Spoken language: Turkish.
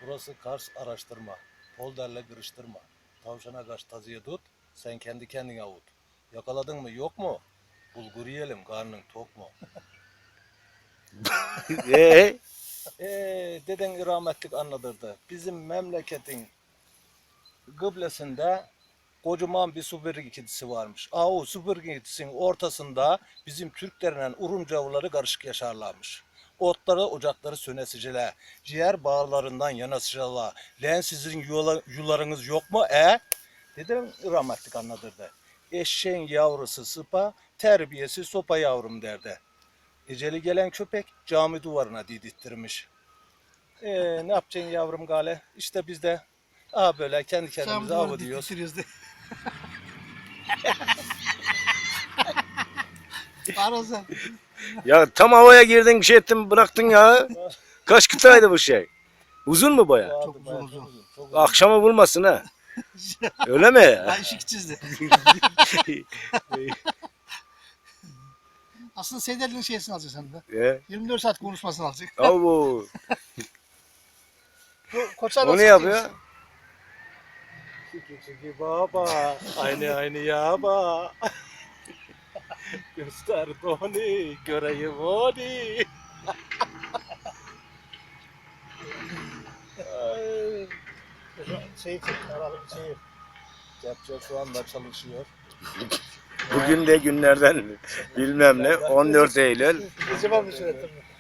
Burası Kars araştırma. Polderle kırıştırma. Tavşana kaç tazıya tut, sen kendi kendine avut. Yakaladın mı yok mu? Bulgur yiyelim, karnın tok mu? Ee, Deden rahmetlik anlatırdı. Bizim memleketin kıblesinde kocaman bir süpürge varmış. O süpürge ortasında bizim Türklerle Urumcavlıları karışık yaşarlarmış. Otları, ocakları sönesiciler, ciğer bağlarından yanasıcılar. Lan sizin yularınız yok mu? Dedim rahmetlik anlatırdı. Eşeğin yavrusu sıpa, terbiyesi sopa yavrum derdi. Eceli gelen köpek cami duvarına didittirmiş. Ne yapacaksın yavrum gale? İşte biz de böyle kendi kendimize avı diyoruz. Arası. ya tam havaya girdin şey ettin bıraktın ya. Kaç kıtaydı bu şey? Uzun mu baya? Çok uzun. Çok uzun. Akşama vurmasın ha. Öyle mi? Ben ışık çizdi. Aslında Seyderli'nin şeysini alacak sen de. 24 saat konuşmasını alacak. Avu. Koçlar O ne yapıyor? Çiki çiki baba, aynı yaba. Göster doni, göreyim onu. Ay. Kepçe şu anda çalışıyor. Bugün de günlerden bilmem ne 14 Eylül. Acaba bir süre